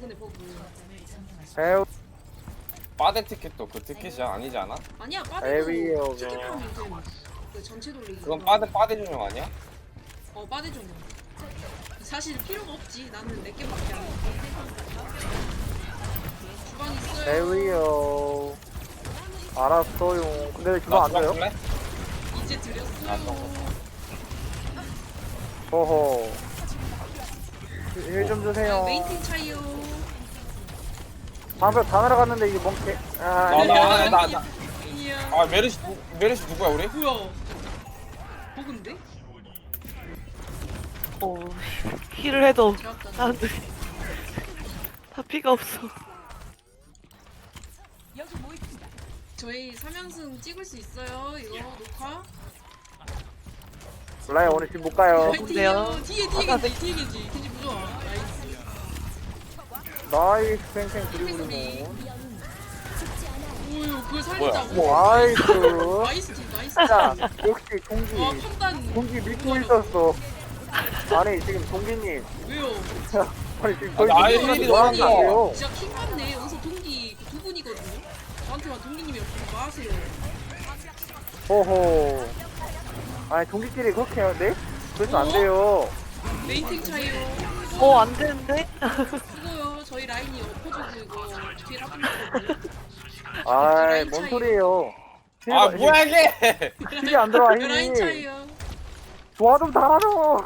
이번에 버그. 에우 빠데 티켓도 그 티켓이야 아니지 않아? 아니야 에비요, 빠데도 티켓하면 돼. 그 전체 돌리기. 그건 빠데 전용 아니야? 빠데 종류. 사실 필요가 없지. 나는 4개밖에 안 해. 주방 있어요. 에위요. 알았어요. 근데 주방 안 줘요? 줄래? 이제 아, 드렸어요. 호호. 힐 좀 주세요. 메인팅 차이요. 방금 다 날아갔는데 이게 멍게. 나. 이야. 아 메르시 누구야 우리? 뭐야? 버그인데? 힐을 해도 제압다. 사람들이 다 피가 없어. 저희 3연승 찍을 수 있어요. 이거 녹화. 몰라요, 오늘 집 못 가요. 뭔데요? 뒤에 뒤에 겐지 부좋아. 나이스. 나이스, 팽팽 소리. 그리고. 오유 그걸 살린다고. 나이스. 나이스 팀 나이스. 자, 역시 동기. 와 판단. 동기 믿고 있었어. 아니, 지금 동기님. 왜요? 아니, 지금 저희 아, 동기님한테 일일이 뭐하는 거 너무 아니에요? 진짜 킹 같네. 여기서 동기 두 분이거든요. 저한테만 동기님이랑 부르지 마세요. 호호. 아니, 동기끼리 그렇게 하는데? 그래서 안 돼요. 메인팅 차이요. 안 되는데? 수고요. 저희 라인이 엎어져서 이거 뒤에 라플거든요. 아이, 뭔 소리예요. 아 뭐야 이게? 힐이 안 들어와, 라인 힘이. 차이요. 좋아 좀 달아줘.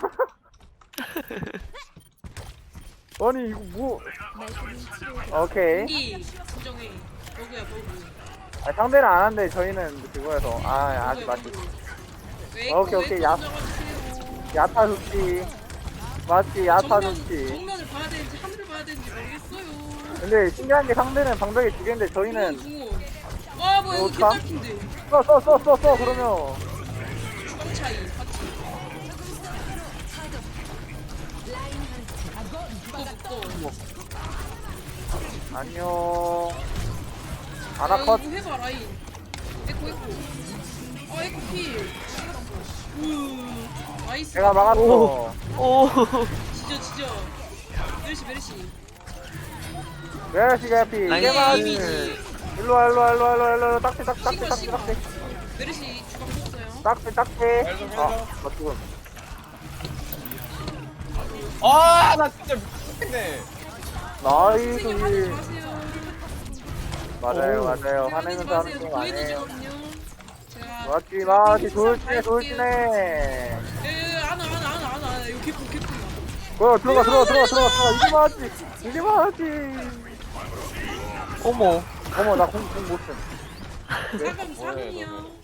아니 이거 뭐? 오케이. 동기 진정해. 버그야 버그. 아, 상대는 안 하는데 저희는 그거여서 아직 맞지. 오케이, 야. 야타 좋지. 맞지, 야타 좋지. 정면을 봐야 되는지 하늘을 봐야 되는지 모르겠어요. 근데 신기한 게 상대는 방벽이 두 개인데 저희는 궁원. 와 뭐야 이거 좋다. 개딸핀데. 써 그러면 주방 차이. 맞지? 묶어. 안녕. 아나컷. 이거 해봐 라인. 에코. 아 에코 필. 나이스. 내가 막았어. 오. 지져. 메르시. 메르시 개피. 나이스. 이게 맞지. 이미지. 일로와. 딱지. 메르시 주방 줬어요. 딱지. 좀 아, 해줘. 나 죽음. 아나 진짜 미치겠네. 나이스. 선생님 화내지 마세요. 맞아요. 화내지 화내면서 하는 마세요. 거 보이는 아니에요. 거거든요. 제가 맞지. 잘 돌진해. 안아 이거 개뿔 들어가. 이게 맞지. 어머. 어머, 나 공 못 쓴. 사금이요.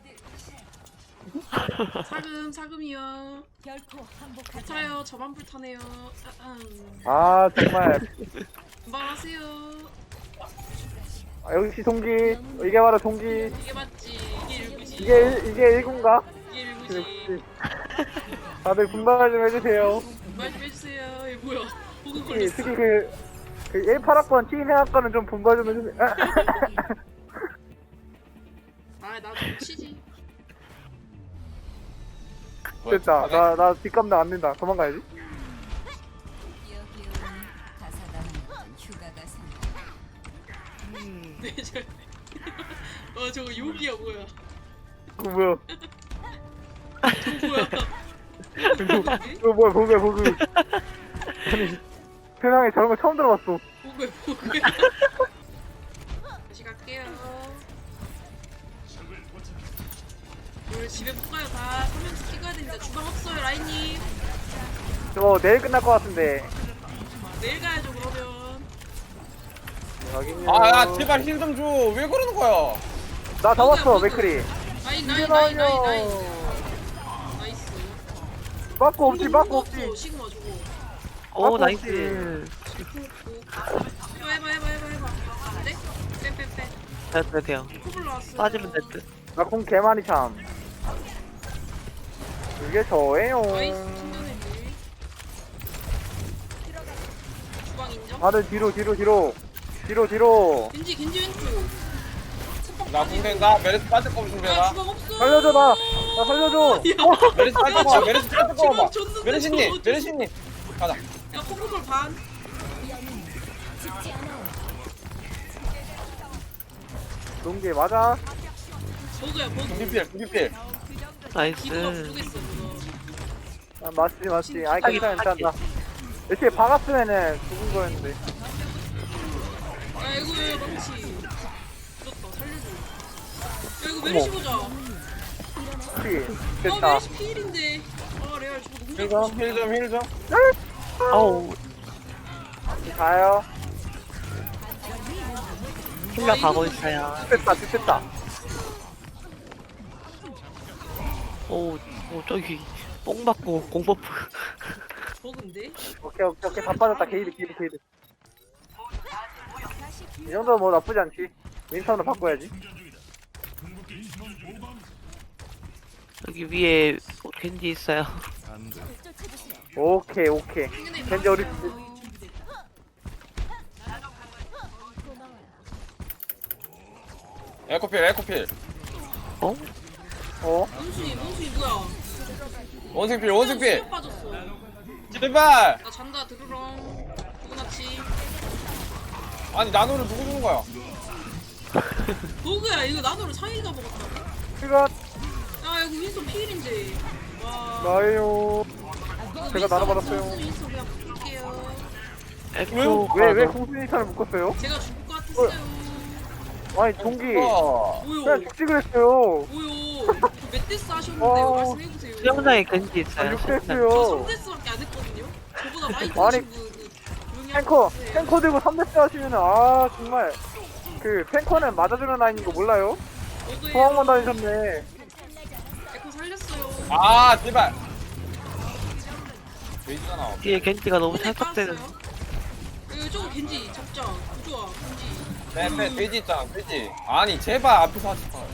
사금이요. 괜찮아요. 저만 불타네요. 아, 정말. 금방 하세요. 역시 동기. 이게 바로 동기. 이게 맞지. 이게 일구지. 이게 1군가? 이게 일구지. 역시. 다들 분발 좀 해주세요. 말 좀 해주세요. 이거 뭐야? 보고 특히 걸렸어. 그 1파학번 팀 해학과는 좀 분발 좀 해주세요. 나도 치지. 됐다. 나 뒷감당 안 된다. 도망가야지. 네, 저거 욕이야 뭐야? 그거 뭐야? 저거 뭐야? 이거 뭐야, 보그. 아니, 세상에 저런 거 처음 들어봤어. 보고야. 다시 갈게요. 오늘 집에 못 가요. 다 화면서 찍어야 됩니다. 주방 없어요, 라인님. 저 내일 끝날 것 같은데. 내일 가야죠 그러면. 확인요. 아야 제발 힐 좀 줘. 왜 그러는 거야? 나 잡았어, 맥크리. 라인. 나이스. 나이스. 빠꾸 없지. 시그마 저거. 오, 아, 나이스. 해봐. 빼. 돼요. 코블 나왔어. 빠지면 될 듯. 나 공 개많이 참. 이게 저예요. 나이스. 충전해지. 주방 인정? 다들 뒤로. 겐지 왼쪽. 나 군대 나 메르스 빠질 거면 준비해라. 주방 없어. 살려줘, 나 살려줘. 메르스 빠질 거 봐. 메르스 빠질 거 봐. 줬는데 메르시님 가자. 야 코블 반. 농기 맞아. 버그야 버그. 중기필 중기필. 기도가 나이스. 부족했어 그거. 아, 맞지. 아이, 괜찮다. 이렇게 박았으면은 죽은 거였는데. 아이고 망치. 죽었다 살려줘. 야 이거 메르시 보자. 피. 아 됐다. 메르시 필인데. 아 레알 저거 너무 힐좀. 어우, 가요. 힐러 가고 있어요. 됐다. 오, 저기, 뽕 받고 공버프. 버그인데? 오케이. 다 빠졌다. 게이드. 이 정도면 뭐 나쁘지 않지. 윈턴으로 바꿔야지. 여기 위에 겐지 있어요. 오케이. 겐지 어디 에코필. 어? 몽순이 뭐야? 원숭필. 수면 빠졌어. 제발. 나 잔다 드르렁. 누구나치. 아니 나노를 누구 주는 거야? 버그야 이거 나도를 상의가 먹었다. 이거 아 이거 윈스턴 필인데. 와. 나예요. 제가 나눠받았어요. 윈스턴 그냥 바꿀게요. 에코. 왜 공수니탄을 묶었어요? 제가 죽을 것 같았어요. 아니 종기 뭐요? 그냥 죽지 그랬어요. 뭐요? 저 멧데스 하셨는데 말씀해보세요. 수영장에 겐지 있어요. 저 육대스요. 3데스밖에 안 했거든요? 저보다 많이 아니, 보신 분 조용히 탱커 들고 3대스 하시면은 정말 그 탱커는 맞아주는 라인인 거 몰라요? 소방만 다니셨네. 에코 살렸어요. 아 제발. 왜 있잖아. 뒤에 겐지가 너무 손에 찰떡대는. 깔았어요? 이거 저거 겐지 잡자. 부조아 겐지. 네, 돼지 있잖아, 돼지. 아니, 제발 앞에서 하지 마.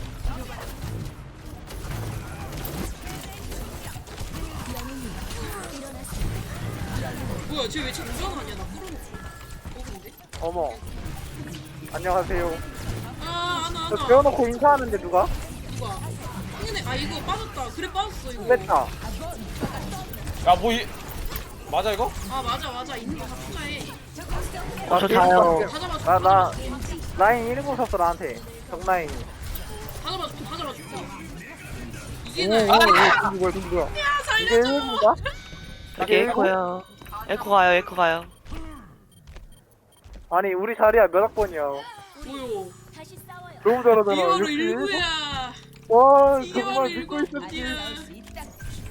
뭐야 쟤 왜 자꾸 우전하냐 나 끌어놓고. 버그인데? 어머. 안녕하세요. 아 저 하나. 재워놓고 인사하는데 누가? 누가? 흥이네. 아 이거 빠졌다. 그래 빠졌어 이거. 뺐다. 야, 뭐, 맞아, 이거? 아 맞아. 있는 거다 투자해. 저 자요. 다 잡아줘. 나 라인 1고 섰어 나한테. 정라인. 다 잡아줘. 이게 오, 나야. 누구야? 야 이게 살려줘. 1인가? 여기 에코요. 에코 가요. 아니 우리 자리야 몇 학번이야? 뭐요? 너무 잘하잖아. 이거로 61? 일부야. 와 이게 정말 바로 믿고 있었지. 일곱이야.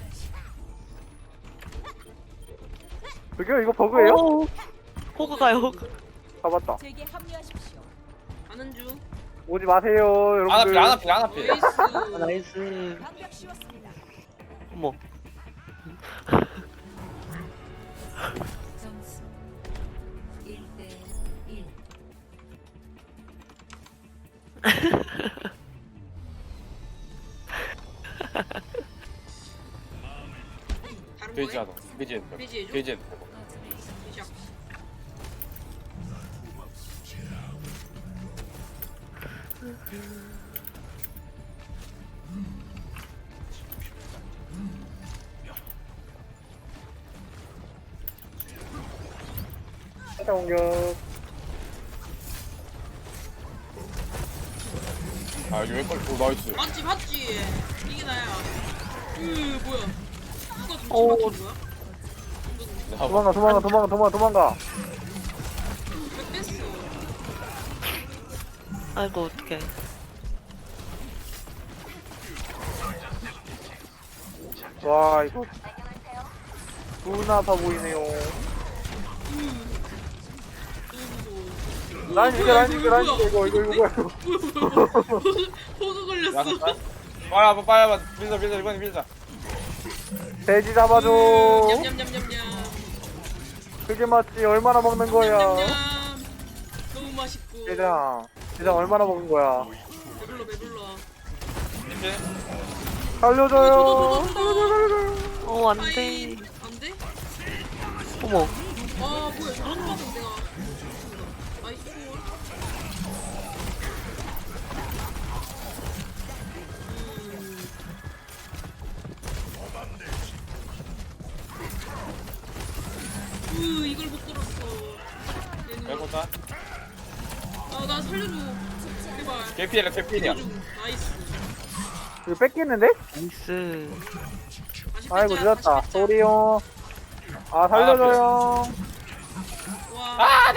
저기요 이거 버그예요? 오, 호그 가요, 호그. 잡았다. 제게 합류하십시오. 가는 중. 오지 마세요 여러분들. 안앞에. 나이스. 나이스. 방벽 씌웠습니다. 어머. 점수 1대 1. 다른 돼지 거에? 하나. 돼지. 돼지 해줘? 돼지. 시작. 살짝 공격. 아, 여기 왜 걸려? 오, 나이스. 맞지. 이게 나야. 뭐야? 누가 눈치 오. 맞춘 거야? 도망가. 왜 뺐어? 아이고, 어떡해. 와 이거 존나 아파 보이네요. 너무 무서워. 라인 이겨 뭐야, 이거 뭐야. 호그 걸렸어. 야, 빨리 밀자, 이번에 밀자. 돼지 잡아줘. 냠냠냠냠냠. 그게 맞지. 얼마나 먹는 거야? 냠냠냠. 너무 맛있고. 대장 얼마나 먹은 거야? 배불러. 이제 살려줘요. 어, 안 아이, 돼. 안 돼? 어머. 아 뭐야 저런 거는 내가 나이스 초월. 이걸 못 들었어. 얘는 해보자. 살려줘. 제발. 개피해라 개피해야. 살려줘. 나이스. 이거 뺏기는데? 나이스. 다시 아이고 뺏자, 늦었다. 다시 뺏자. 소리요. 아 살려줘요. 와.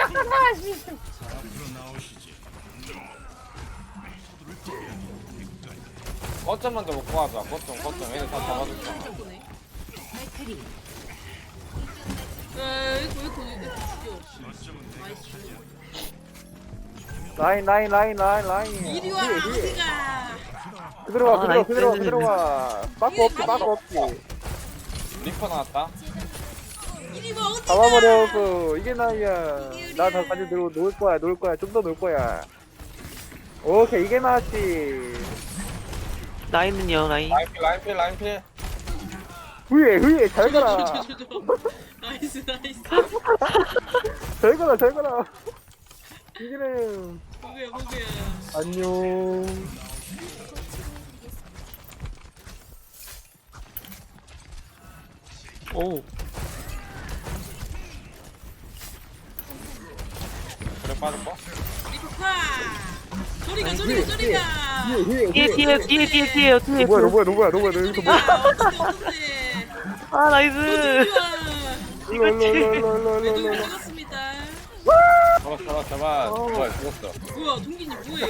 거점만 더 먹고 가자. 거점 얘네 다 잡아줬어. 네. 맥크리. 이거 죽여. 나이스. 라인. 이리 와, 어디가? 그대로 가, 나이스. 그대로 가. 빠꾸 없지. 리퍼 나왔다. 이리 와, 어디가? 잡아버려, 이게 나야. 나 다 같이 놀 거야. 좀 더 놀 거야. 오케이, 이게 나지. 라인은요, 라인. 라인필. 후예, 잘 가라. 나이스. 잘 가라. 이기는. 보게야. 안녕. 오. 그래 빠졌고. 리퍼파. 소리가. 뒤에. 너 뭐야, 너 여기서 뭐. 아, 나이스. 롤. 반갑습니다. 잡아. 뭐야 죽었어. 뭐야, 동기님 뭐해?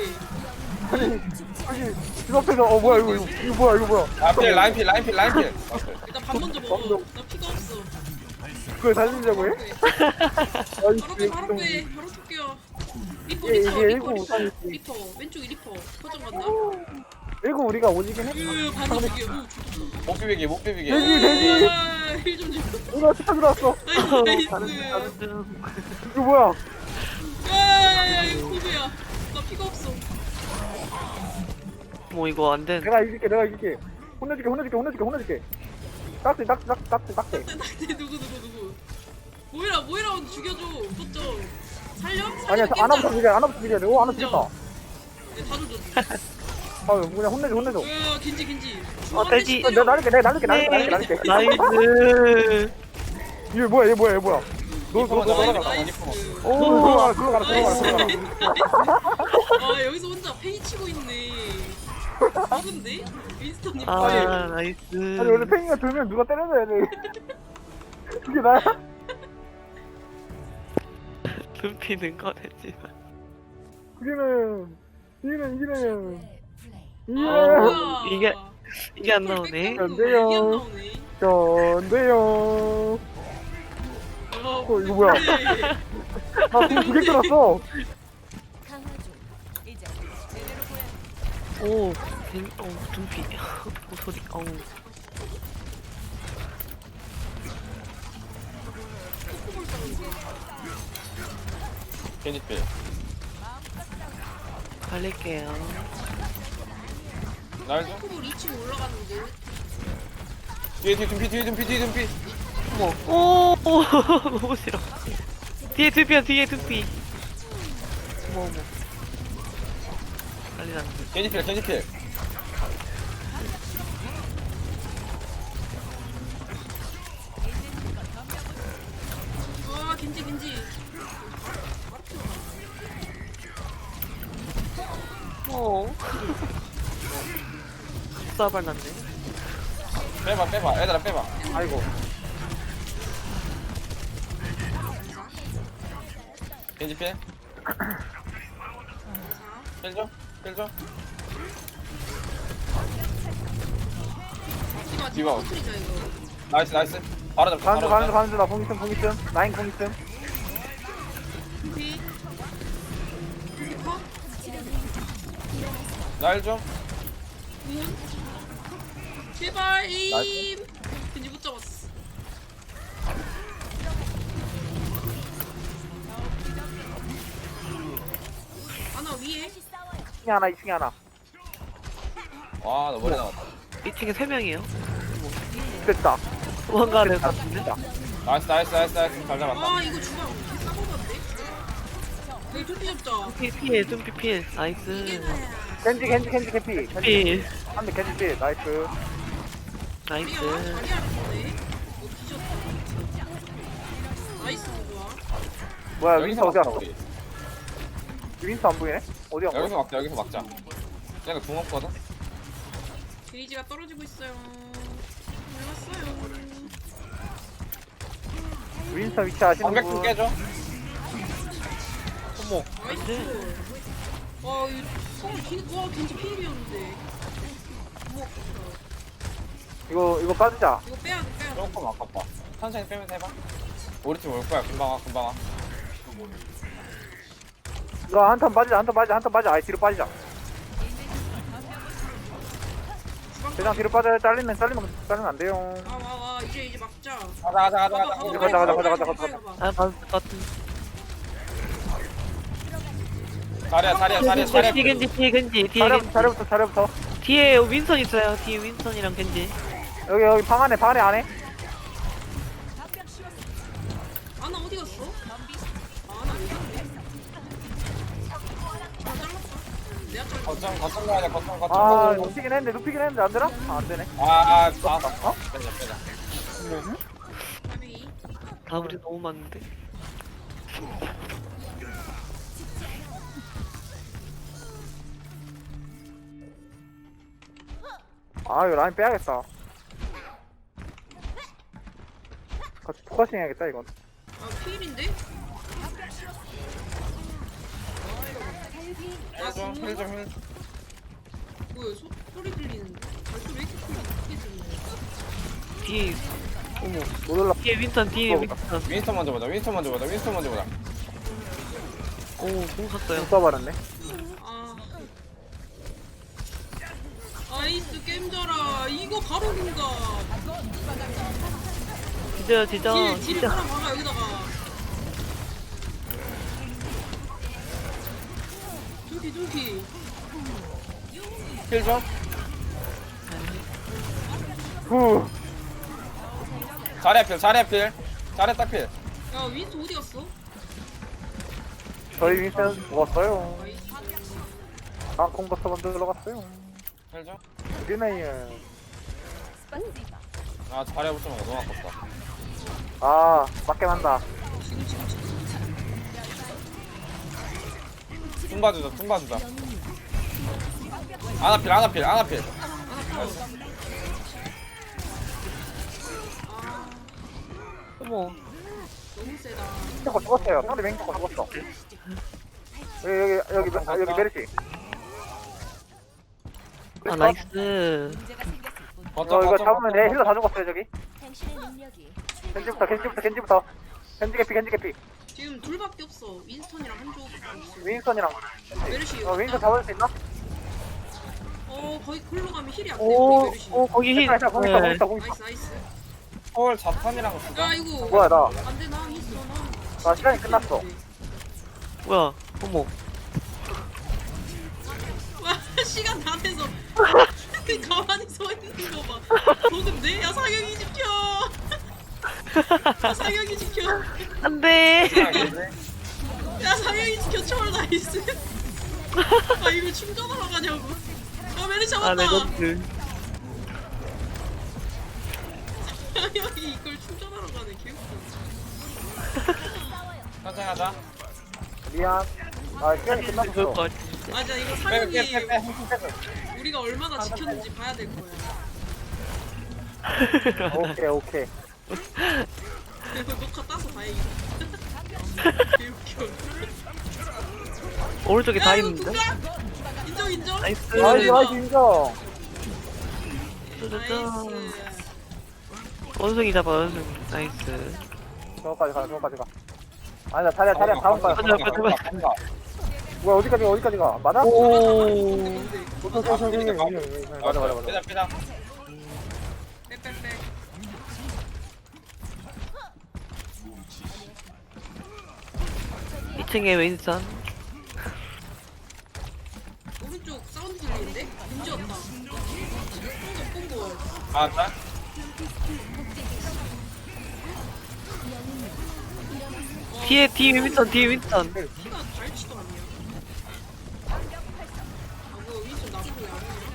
그 앞에서, 뭐야, 이거 뭐야. 라인필. 일단 밥 먼저 먹어. 나 피가 없어. 그걸 살리려고 해? 바로 쏠게요. 리퍼. 리퍼. 왼쪽에 리퍼. 포장 간다. 이거 우리가 오지긴 했어. 반대 죽여. 오, 못 비비게. 돼지. 힐좀 줘. 누가 스타 들어왔어. 나이스. 이거 뭐야? 야, 이거 고배야. 나 피가 없어. 뭐, 이거 안 되는. 내가 이길게. 혼내줄게. 딱지. 누구. 모이라 언니 죽여줘. 어쩌? 살려? 아니야, 안아부터 죽여야 돼. 오, 안아 죽였다. 다 조져. 아, 그냥 혼내줘. 야, 겐지. 돼지. 내가 날릴게. 나이스. 이거 뭐야, 얘 뭐야. 너 리퍼만 나가. 나이스. 오, 들어가라. 아, 여기서 혼자 페이 치고 있네. 누군데? 윈스턴님. 아, 나이스. 아니, 원래 팽이가 들면 누가 때려줘야 돼. 그게 나야? dum피는 꺼내지만. 이기는. 뭐야. 이게 안 나오네. 안 돼요. 이게 안 나오네. 전데요. 이거 뭐야? 나 지금 2개 끌었어. 강화 중. 이제 제대로 보여. 오, 둠피. 오, 소리. 어우. 개니필. 갈릴게요. 날 좀. 코볼 2층 올라가는데. 뒤에 둠피. 어머. 오, 너무 싫어. 뒤에 둠피. 어머. 난리 났네. 개니필. 와, 겐지. 쏴발 났네. 빼봐. 얘들아 빼봐. 아이고. 개니필. 힐 좀. 디바 터트리자 이거. 나이스. 바로 잡자. 가는 중. 나 공기쯤. 라인 공기쯤. 피. 리퍼. 날 좀. 문. 제발 에임. 겐지 못 잡았어. 하나 위에. 2층에 하나. 와, 너 머리 나왔다. 2층에 3명이에요. 됐다. 도망가야 될 것 같은데? 됐다. 나이스. 잘 잡았다. 아 이거 주방 싸먹었네. 여기 토끼 잡자. 피해, 둠피 피해. 이게 나이스. 나야. 겐지 개피. 필. 한대 겐지 피. 나이스. 나이스. 자리 알았네. 뒤졌다. 나이스 좋아. 뭐야, 여기서 윈스 어디 갔어? 우리. 윈스 안 보이네? 어디 간 여기서 거야? 막자 여기서 막자. 얘가 궁 없거든. 게이지가 떨어지고 있어요. 몰랐어요. 윈스턴 위치 아시는 방백 좀 분? 깨줘. 어머. 나이스. 와, 이 성을 와, 진짜 필이었는데. 어머, 이거 빠지자. 이거 빼야 돼, 빼야 돼. 조금 아깝다. 천천히 빼면서 해봐. 우리 팀 올 거야. 금방 와 금방 와. 이거 한턴 빠지자, 한턴 빠지자, 한턴 빠지자. 아예 뒤로 빠지자. 대장 뒤로 빠져요. 잘리면 안 돼요. 와, 이제 막자. 가자. 가자. 아 맞을 것 같은. 자리야. 뒤에 겐지 뒤에 겐지. 자리부터. 뒤에 윈선 있어요. 뒤에 윈선이랑 겐지. 여기 방 안에 안에. 아나 어디 갔어? 아나 왜 갔네? 아, 잘랐어. 내가 잘랐어. 거점 가야 돼. 거점. 아, 눕히긴 했는데 안 되나? 안 되네. 아. 빼자. 가비. 다블이 너무 많은데. 아, 이거 라인 빼야겠다. 같이 포커싱 해야겠다, 이건. 아, 필인데? 힐좀. 뭐야, 소리 들리는데? 발소리 왜 이렇게 크게 들리냐? 뒤에 어머. 못 올라. 뒤에 윈선 뒤에 윈선. 윈스턴 먼저 보자. 오공 샀어요. 써버렸네. 아. 아이스 게임져라. 이거 바로 뭔가. 진짜 딜을 진짜. 하나 박아, 여기다가. 둥피. 힐 좀. 후. 자리야 필. 자리야 딱 필. 야, 윈스 어디 갔어? 저희 윈스턴 죽었어요. 아이스. 땅콩버터 만들러 갔어요. 힐 좀. 우리네요. 아 자리야 붙으면 너무 아깝다. 아, 맞게 만다. 지금. 퉁 봐주자. 아나필. 하나 필. 아, 어머. 너무 세다. 맹커 죽었어요. 상대 맹커 죽었어. 여기 메르시. 아 나이스. 문제가 생겼을 뿐. 이거 잡으면 내 힐러 다 죽었어요, 저기. 당신의 능력이 겐지부터. 겐지 개피. 지금 둘밖에 없어. 윈스턴이랑 한조밖에 없어. 윈스턴이랑. 메르시. 윈스턴 잡을 수 있나? 거의 글로 가면 힐이 안 돼. 오, 메르시. 거기 힐. 자, 거기 네. 있어. 나이스. 홀 자탄이랑 쓰자. 야, 이거. 뭐야, 나. 안 돼, 나 있어. 아, 시간이 끝났어. 뭐야? 어머. 와, 시간 다 돼서. 가만히 서 있는 거 봐. 보는데? 야, 상영이 지켜. 야, 상영이 지켜. 안돼. 야, 상영이 지켜. 초월 나이스. 아, 이거 충전하러 가냐고. 야, 메르시 아 잡았다. 레전드. 상영이 이걸 충전하러 가네. 개웃겨. 천천히 하자. 미안. 아, 시간이 좋을 것 끝났어. 같아. 맞아, 이거 빼. 상영이 우리가 얼마나 지켰는지 봐야 될 거야. 오케이. 그래서 녹화 따서 다행이다. 개웃겨. 오른쪽에 다 야, 이거 있는데. 누가? 인정. 나이스. 나이스, 인정. 짜자잔. 원숭이 잡아 원숭이. 나이스. 저거까지 가. 아니, 나 자리야, 다음 거야. 가자. 뭐야, 어디까지 가? 맞아? 오. 맞아. 빼자. 빽빽빽. 이층에 윈선. 오른쪽 사운드 들리는데? 문제였다. 뽕고. 아 자. 뒤에 윈선. 피가 달지도 않냐? 아, 뭐 윈슨 나쁘게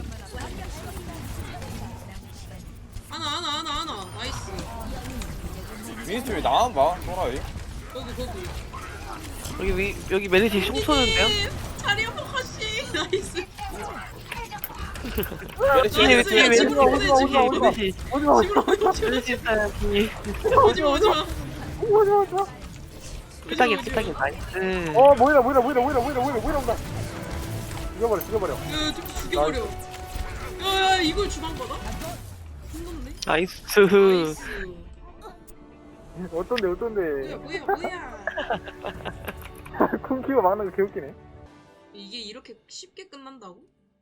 안 하네. 하나. 나이스. 윈스턴 왜 나만 봐? 돌아이. 거기. 여기 메리시 흉 쏘는데요? 자리 한번 가시. 나이스. 메르시 뒤에 나이스, 뒤에 야, 왜 집으로 보내, 오지마, 집으로 오지마, 보내. 메르시 오지마 오지마 집으로 보내, 집으로 메르시 있어야지. 오지마, 오지마. 오지마. 피타기 피타기 나이스. 모이라 온다. 죽여버려. 야, 좀 죽여버려. 야, 이걸 주방 받아? 혼났네. 나이스. 나이스. 어떤데? 뭐야. 쿵키가 막는 거 개웃기네. 이게 이렇게 쉽게 끝난다고?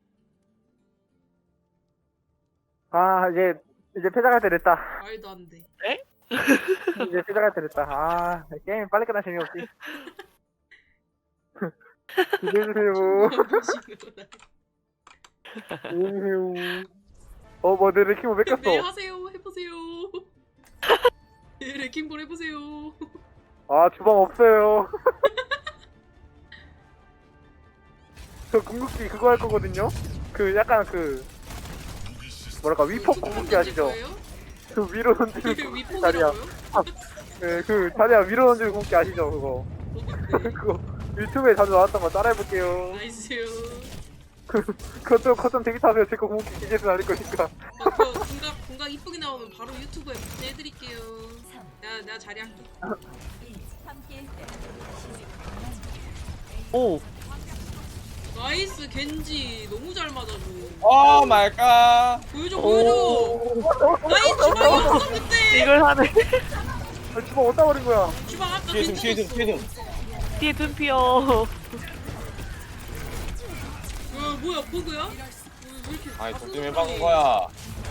아 이제 패자갈 때 됐다. 말도 안 돼. 이제 패자갈 때 됐다. 아 게임 빨리 끝나 재미없지. 기대해주세요. 기대해주세요. 내 레킹볼 네, 뺏겼어. 하세요. 해보세요. 네, 레킹볼 해보세요. 아 주방 없어요. 저 궁극기 그거 할 거거든요. 그 약간 그 뭐랄까 위폭 궁극기 아시죠? 그 위로 던지는 궁극기 자리야. 위폭이라고요? 네, 그 자리야 위로 던지는 궁극기 아시죠? 그거. 그거 유튜브에 자주 나왔던 거 따라해볼게요. 나이스요. 거점 대기 타세요. 제거 궁극기 기계에서 날릴 거니까. 그거 공각 이쁘게 나오면 바로 유튜브에 복제해드릴게요. 내가 자리할게. 함께 오 나이스 겐지 너무 잘 맞아줘. 오 마이 갓. 보여줘. 나이스 주방이 없어 그때. 이걸 하네. 주방 어디다 버린 거야? 주방 아까 뒤에 등 뒤에 등 겐지 뒤에 등. 뒤에 둔피어. 뭐야 버그야? 왜 이렇게 아이 다 독점해 쓰는 박은 거야? 거야.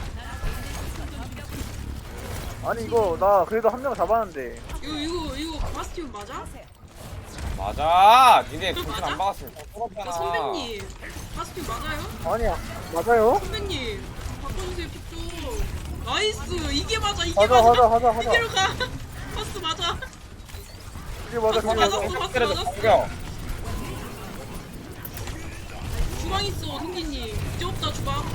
아니 이거 나 그래도 한 명 잡았는데. 이거 바스티온 맞아? 맞아. 니네 독점 맞아? 안 박았으면 야, 뻔뻔하잖아. 선배님 바스티온 맞아요? 아니야 맞아요? 선배님 바꿔주세요 픽좀. 나이스 이게 맞아 이게 하자 맞아. 하자 이대로 가. 바스 맞아. 이게 맞아 그게 맞아. 바스 맞았어. 죽여. 주방 있어 성기님. 이제 없다 주방.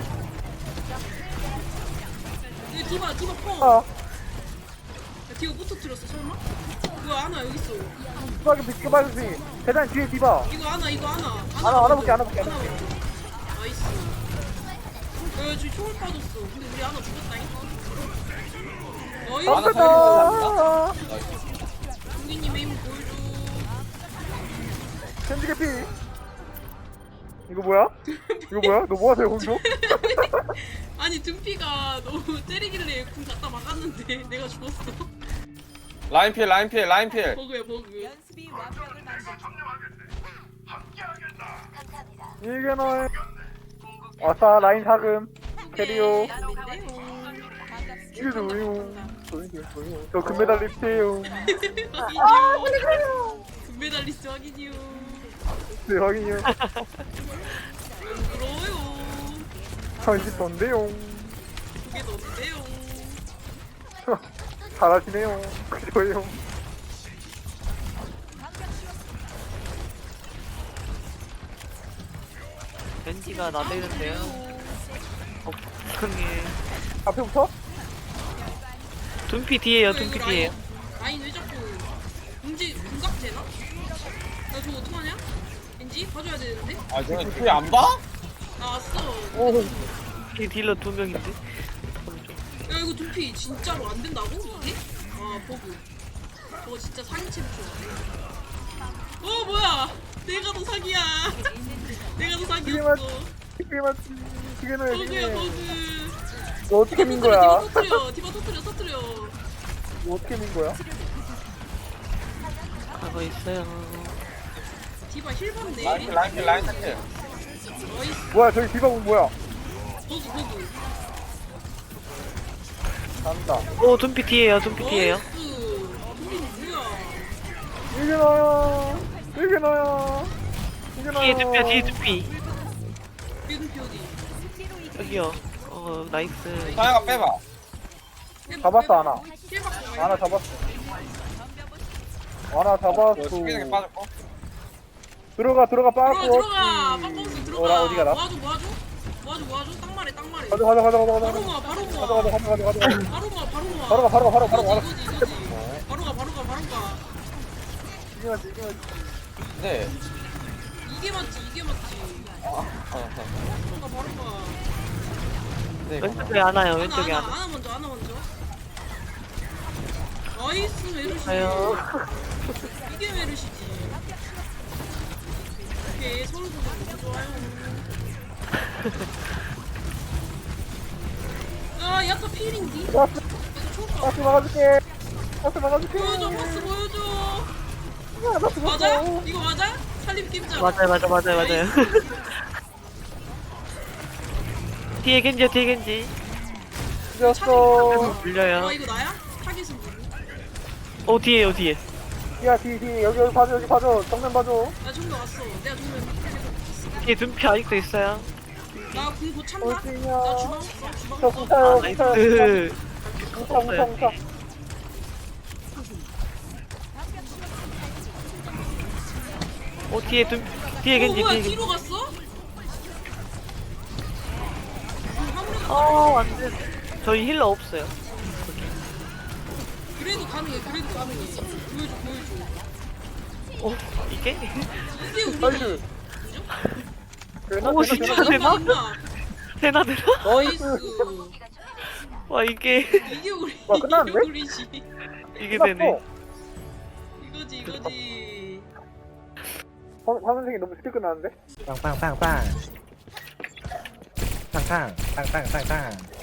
디바 펑. 아 디바 못 터뜨렸어 설마? 뭐야 아나 여기 있어. 스파게티 대단 뒤에 디바. 이거 아나 알아볼게. 나이스. 야 지금 총을 빠졌어. 근데 우리 아나 죽었다잉. 하나 나이스. 아 성기님의 힘 보여줘. 캔디 개피. 이거 뭐야? 너 뭐하세요 공주? 아니 둠피가 너무 때리길래 궁 갖다 막았는데 내가 죽었어. 라인 필. 버그야 버그. 연습이 완벽을 만들고 이게 너의 아싸 라인 사금 캐리오. 이게 뭐요? 저 금메달 립스예요. 확인이요. 금메달리스트 확인이요. 네 확인이요. 부러워요. 이게 던데요. 그게 너인데요. 잘하시네요. 그래요. 벤지가 나대는데요. 불쌍해. 앞에부터? 둔피 뒤에요. 이거 둔피 뒤에요. 라인 왜 자꾸 궁각 되나? 나 저거 어떡하냐? 왠지 봐줘야 되는데? 아 너네 뒤에 안 봐? 나왔어. 오. 뒤에 딜러 2명인데. 야 이거 두피 진짜로 안 된다고 이게? 아 버그. 저거 진짜 사기 챔피언. 뭐야? 내가 더 사기야. 내가 더 사기였어. 그게 맞지. 그게 너의 버그야 그게. 버그. 너 어떻게 민 거야? 디바 터뜨려. 너 어떻게 민 거야? 가고 있어요. 디바 힐 받네. 라인 필. 나이스. 뭐야 저기 디바군 뭐야? 버그. 간다. 오 둔피 뒤에요. 둔피 뒤에요. 나이스. 두피 뭐야? 이게 너야. 이게 너야. 이게 너야. 뒤에 둔피야. 뒤에 둔피. 두피 어디? 여기요. 나이스. 사야가 빼봐. 잡았어 하나. 힐 받고. 하나 잡았어. 하나 잡았어. 스피드게 빠졌고. 들어가 빠졌어. 들어가. 빡빡스 들어가. 어디가 나? 모아줘. 땅 말해. 가자. 바로 가자. 모아. 가자. 바로 가. 이겨야지. 근데 이게 맞지 이게 맞지. 바로 가 바로 가. 네, 왼쪽에 안 와요. 왼쪽에 안 와. 하나 먼저 하나 먼저. 나이스 메르시. 아유. 이게 메르시지. 오케이 서로 너무 좋아요. 아 야타 필인디. 버스 초카. 버스 막아줄게. 버스 막아줄게. 보여줘 버스 보여줘. 아, 나 죽었어. 맞아? 이거 맞아? 살림 깁자. 맞아요. 뒤에 겐지요, 뒤에 겐지. 죽였어. 물려요. 아 이거 나야? 타겟은 누구? 뒤에요, 뒤에. 야, 뒤. 여기 봐줘, 여기 봐줘. 정면 봐줘. 나 정도 왔어. 내가 정면 타겟. 뒤에 둔피 아직도 있어요. 나궁곧 참나? 올지냐. 나 주방 없어. 주방 저 없어. 공차요, 나이스. 공차요. 공차. 뒤에 겐지, 뭐야 뒤에 겐지. 뒤로 갔어? 화물에 안 돼. 저희 힐러 없어요. 그래도 가능해. 보여줘. 이게? 이게 우리 나이스. 진짜 이거 대박. 임마. 되나? 나이스. 와, 이게. 이게 우리 와, 끝났는데? 이게 우리지. 이게 되네. 이거지. 화면색이 너무 쉽게 끝나는데? 빵빵빵빵. 빵빵 빵빵빵빵.